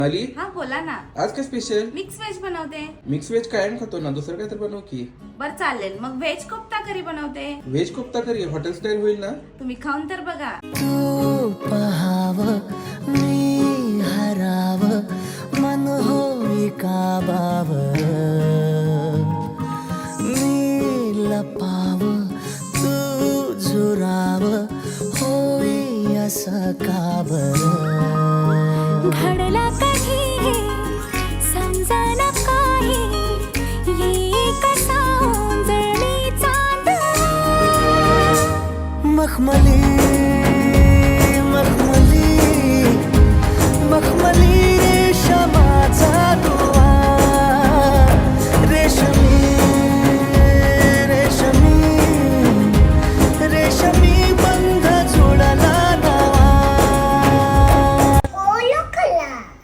अली हा बोला ना. आज काय स्पेशल? मिक्स व्हेज बनवते. मिक्स व्हेज कायम खातो ना, दुसरं काय तर बनव की. बर चालेल, मग व्हेज कोफ्ता करी बनवते. Veg kofta curry hotel style होईल ना? तुम्ही खाऊन तर बघा. तू पहाव मी हराव मन होई काबाव मी लपाव तू झुराव होई असं काबर घडला कधी समजना काही ये कसा ओंजळी चांद मखमली मखमली मखमली